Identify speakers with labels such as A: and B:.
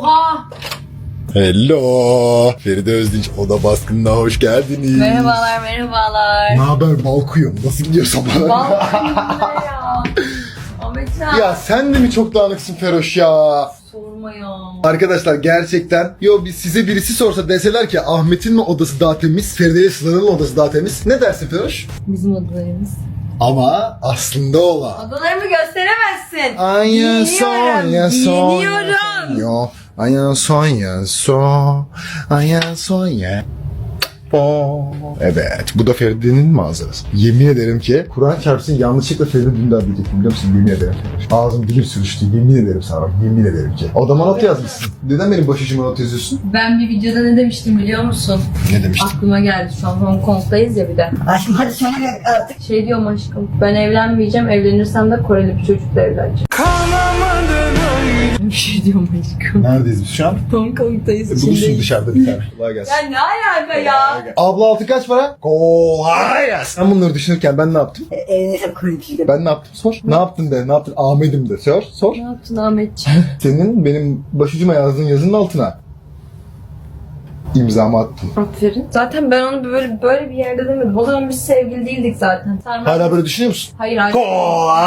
A: Oha!
B: Hello. Feride Özdinç Oda Baskını'na hoş geldiniz.
A: Merhabalar, merhabalar.
B: Ne haber balkuyum? Nasıl gidiyor sabahlar?
A: Vallahi ne ya? Ahmetcan.
B: Ya sen de mi çok dağınıksın Feroş ya?
A: Sorma ya.
B: Arkadaşlar gerçekten size birisi sorsa deseler ki Ahmet'in mi odası daha temiz, Feride ile Sıla'nın mı odası daha temiz? Ne dersin Feroş?
A: Bizim odalarımız.
B: Ama aslında olan.
A: Odalarımı gösteremezsin.
B: Ay son ya son.
A: Giyiniyorum.
B: Ay son ya. Evet, bu da Feride'nin manzarası. Yemin ederim ki Kur'an çarpsın yanlışlıkla Feride Dündar diyecektim biliyor musun? Yemin ederim. Ağzım dilim sürüştü. Yemin ederim sana. Yemin ederim ki. Odama not yazmışsın. Neden benim başucuma not yazıyorsun?
A: Ben bir videoda ne demiştim biliyor musun?
B: Ne demiştin?
A: Aklıma geldi, şu an Hong Kong'dayız ya bir de.
C: Aşkım hadi söyle artık.
A: Şey diyorum aşkım, ben evlenmeyeceğim, evlenirsem de Koreli bir çocukla evleneceğim. Bir şey diyorum aşkım.
B: Neredeyiz biz şu an?
A: Hong Kong'dayız,
B: Buluşsun
A: içindeyiz.
B: dışarıda bir tane. Kolay gelsin.
A: Ya ne alaka ya?
B: Abla altı kaç para? Kolay gelsin. Sen bunları düşünürken ben ne yaptım?
C: Evlenirsen koyayım.
B: Ben ne yaptım? Sor. Ne yaptın de? Ne yaptın? Ahmet'im de. Sor.
A: Ne yaptın Ahmetciğim?
B: Senin benim başucuma yazdığın yazının altına imzamı attım.
A: Aferin. Zaten ben onu böyle bir yerde demedim. O zaman biz sevgili değildik zaten. Sen
B: Hala böyle düşünüyor musun?
A: Hayır.
B: Kolay